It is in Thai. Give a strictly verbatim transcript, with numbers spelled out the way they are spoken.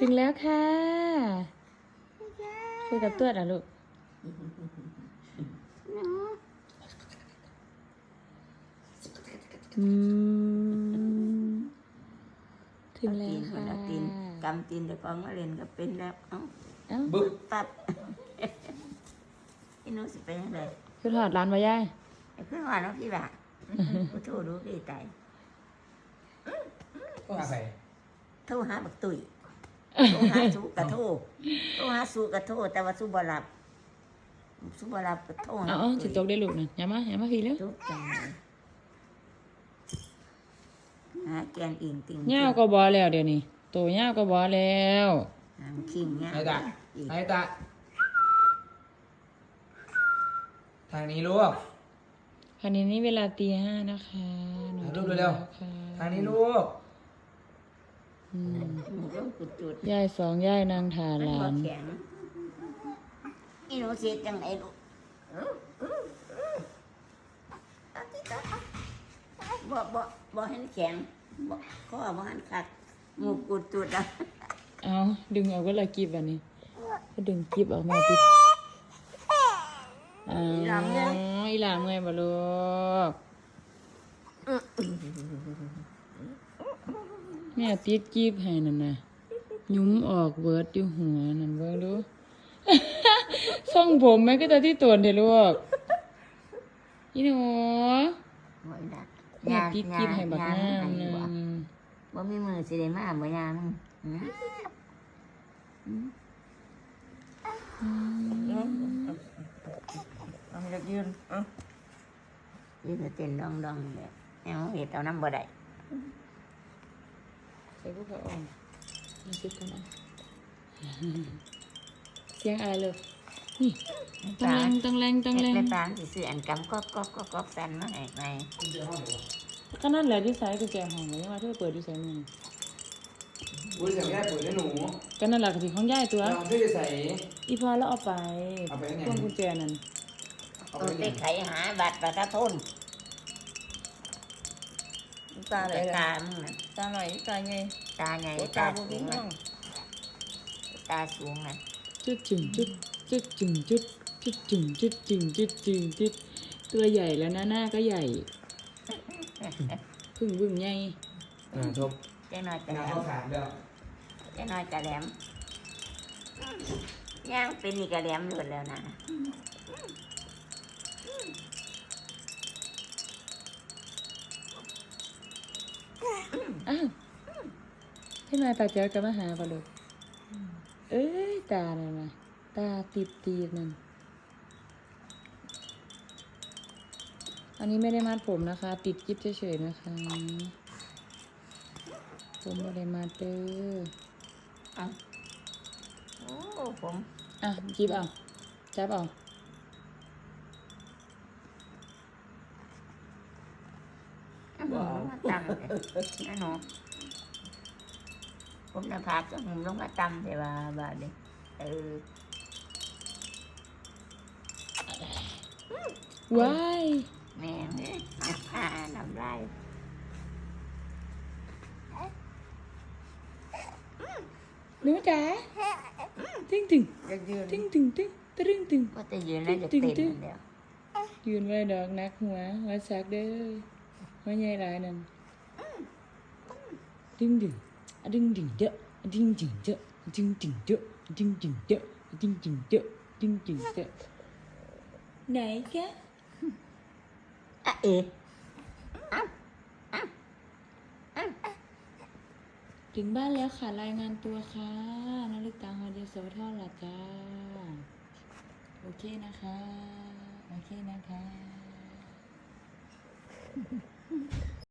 ถึงแล้วค่ะคุยกับตัวอ่ะลูกอืมถึงแล้วค่ะตีนกำตีนแต่พอมาเล่นก็เป็นแล้วเอ้าเอ้าบึ๊บปั๊บพี่นุ้สิเป็นยังไงคือถอดร้านมาย่ายไอ้เพื่อนว่าน้องพี่บ่ากูโทรดูพี่ตายก็หาใส่โทรหาบักตุ๋ยโทรหาสู้กระโทรโทรหาสู้กระโทรแต่ว่าสู้บ่รับสู้บ่รับกระโทรเอาเอาจิตตกได้ลูกนะอย่ามาอย่ามาพี่เร็วทุกจังเลยหาแกนอิงติงย่าก็บอแล้วเดี๋ยวนี้โตย่าก็บอแล้วหางคิงเนี่ยไอ้ตาไอ้ตาทางนี้ลูกคันนี้นี่เวลาตีห้านะคะหนูถ่ายรูปถึงเร็วแล้วค่ะทางนี้ลูกอืมเริ่มจุดจุดย่ายสองย่ายนางถามันหลาบ่นแข็งอีหนูเสียจังไหนลูกบ่บ่บ่ให้แข็งบ่ข้อบ่หันคักหมูกุดจุดอ่ะเอาดึงออกก็เลยกีบอันนี้ก็ดึงกีบออกมาปิดอ๋ออีหลามเงยบ่ลูกแม่ติดกีบให้นั่นน่ะยุ้มออกเวิร์ดอยู่หัวนั่นเบิ่งดู ส่องผมแม่ก็จะที่ตัวเด้ลูกอีหนูโอ้ยดักแม่ติดกีบให้บักงามหนึงบ่มีมือสิได้มาบ่ยามึงหือหือเอาให้ยืนเอ้ายืนเต้นดองๆเลยเอาเฮ็ดเอาน้ำบ่ได้ใส่พวกเขาอ่อนมาซิกันอ่ะเสียงอะไรเลยนี่ตังแรงตังแรงตังแรงแม่ปานสิซื้ออันกำก๊อกก๊อกก๊อกก๊อกแฟนมาให้ใหม่ก็นั่นแหละที่ใส่กุญแจห้องเลยว่าเธอเปิดที่ใส่มืออุ้ยเสียงแม่ปุ๋ยได้หนูก็นั่นแหละกะทิของย่ายตัวเราช่วยใส่อีพอแล้วเอาไปเอาไปไหนพวงกุญแจนั่นเอาเอาไปไปเนี่ยไขหาบัตรประชาชนตาไหนตาล่ะมึงน่ะตาไหนตาไงตาไงโอ้ตาตาบุสูบิ้งงน่ะน้องตาสูงน่ะจุดจึงจุดจุดจึงจุดจุดจึงจุดจึงจุดจึงจุดตัวใหญ่แล้วนะหน้าก็ใหญ่พึ่งบึ้งใหญ่อ่าชมเจ้าน้อยกระงาแหลนมข้าวสารแล้วเจ้าน้อยกระแหลมย่างเป็นนี่กระแหลมหลุดแล้วนะอ้าวให้มาตาเจ้ากับมาหาปะลูกเอ้ยตาน่ะนะตาติดตีดนั่นอันนี้ไม่ได้มัดผมนะคะ ติดกิ๊บเฉยๆนะคะ ผมไม่ได้มัดเด้อเอาโอ้ผมอ่ะกิ๊บเอาจับเอาบอกมาตำเลยนะหนูผมจะพาจะหุ่มลงมาตำแต่ว่าบาดเด็กเออว้ายแม่งเนี่ยน้ำลายหนูจ๋าตึ้งตึ้งจะยืนตึ้งตึ้งตึ้งตึ้งตึ้งว่าจะยืนแล้วจะเต้นอย่างเดียวยืนไว้ดอกนักหัวหัวซักเด้อหัวใหญ่หลายนั่นดึงดึงอะดึงดึงเยอะอะดึงดึงเยอะอะดึงดึงเยอะอะดึงดึงเยอะอะดึงดึงเยอะอะดึงดึงเยอะไหนคะอ่ะเอ๋ถึงบ้านแล้วค่ะรายงานตัวค่ะนาฬิกาฮอดยโสธรล่ะจ้าโอเคนะคะโอเคนะคะ